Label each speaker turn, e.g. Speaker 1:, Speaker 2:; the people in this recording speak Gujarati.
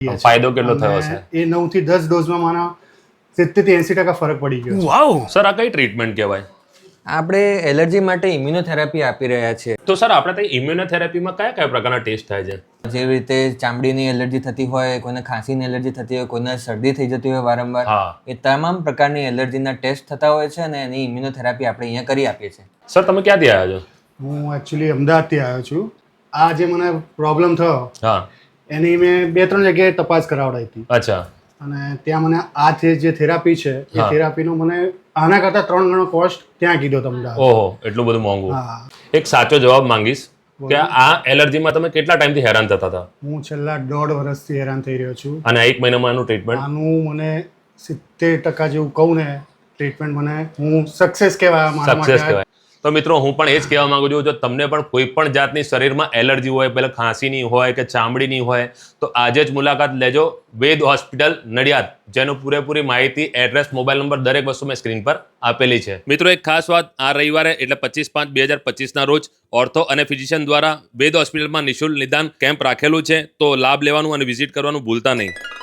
Speaker 1: ફાયદો કેટલો થયો છે?
Speaker 2: એ 9 થી 10 ડોઝમાં મારા 70 થી 80% ફરક પડી ગયો છે.
Speaker 3: વાવ.
Speaker 1: સર આ કઈ ટ્રીટમેન્ટ કહેવાય?
Speaker 4: આપણે એલર્જી માટે ઇમ્યુનોથેરાપી આપી રહ્યા છીએ.
Speaker 1: તો સર આપણે ત્યાં ઇમ્યુનોથેરાપીમાં કયા કયા પ્રકારના ટેસ્ટ થાય છે?
Speaker 4: જેવી રીતે ચામડીની એલર્જી થતી હોય, કોઈને ખાંસીની એલર્જી થતી હોય, કોઈને શરદી થઈ જતી હોય વારંવાર,
Speaker 1: હા.
Speaker 4: એ તમામ પ્રકારની એલર્જીના ટેસ્ટ થતા હોય છે અને એની ઇમ્યુનોથેરાપી આપણે અહીંયા કરી આપીએ છીએ.
Speaker 1: સર તમે ક્યાંથી આવ્યા છો?
Speaker 2: હું એકચ્યુઅલી અમદાવાદથી આવ્યો છું. આ જે મને પ્રોબ્લેમ થયો
Speaker 1: હા.
Speaker 2: એની મેં 2-3 જગ્યાએ તપાસ કરાવડાવી હતી
Speaker 1: અચ્છા.
Speaker 2: અને ત્યાં મને આ જે થેરાપી છે એ
Speaker 1: હા.
Speaker 2: થેરાપીનો મને આના કરતાં 3 ગણો કોસ્ટ ત્યાં કીધો તમને.
Speaker 1: ઓહો, એટલું બધું મોંઘું.
Speaker 2: હા.
Speaker 1: એક સાચો જવાબ માંગીશ કે આ એલર્જીમાં તમે કેટલા ટાઈમથી હેરાન થતા હતા?
Speaker 2: હું છેલ્લા 1.5 વર્ષથી હેરાન થઈ રહ્યો છું.
Speaker 1: અને 1 મહિનામાં આનું ટ્રીટમેન્ટ?
Speaker 2: આનું મને 70% જેવું કહું ને ટ્રીટમેન્ટ મને હું સક્સેસ કહેવાય મારા
Speaker 1: સક્સેસ
Speaker 2: માટે.
Speaker 1: કહેવાય. તો મિત્રો હું પણ એ જ કહેવા માંગુ છું, જો તમને પણ કોઈ પણ જાતની શરીરમાં એલર્જી હોય, પહેલાં ખાંસીની હોય કે ચામડીની હોય, તો આજે જ મુલાકાત લેજો વેદ હોસ્પિટલ નડિયાદ, જેનું પૂરેપૂરી માહિતી, એડ્રેસ, મોબાઈલ નંબર દરેક વસ્તુ મેં સ્ક્રીન પર આપેલી છે. મિત્રો એક ખાસ વાત, આ રવિવારે એટલે 25/5/2025ના રોજ ઓર્થો અને ફિઝિશિયન દ્વારા વેદ હોસ્પિટલમાં નિઃશુલ્ક નિદાન કેમ્પ રાખેલું છે, તો લાભ લેવાનું અને વિઝિટ કરવાનું ભૂલતા નહીં.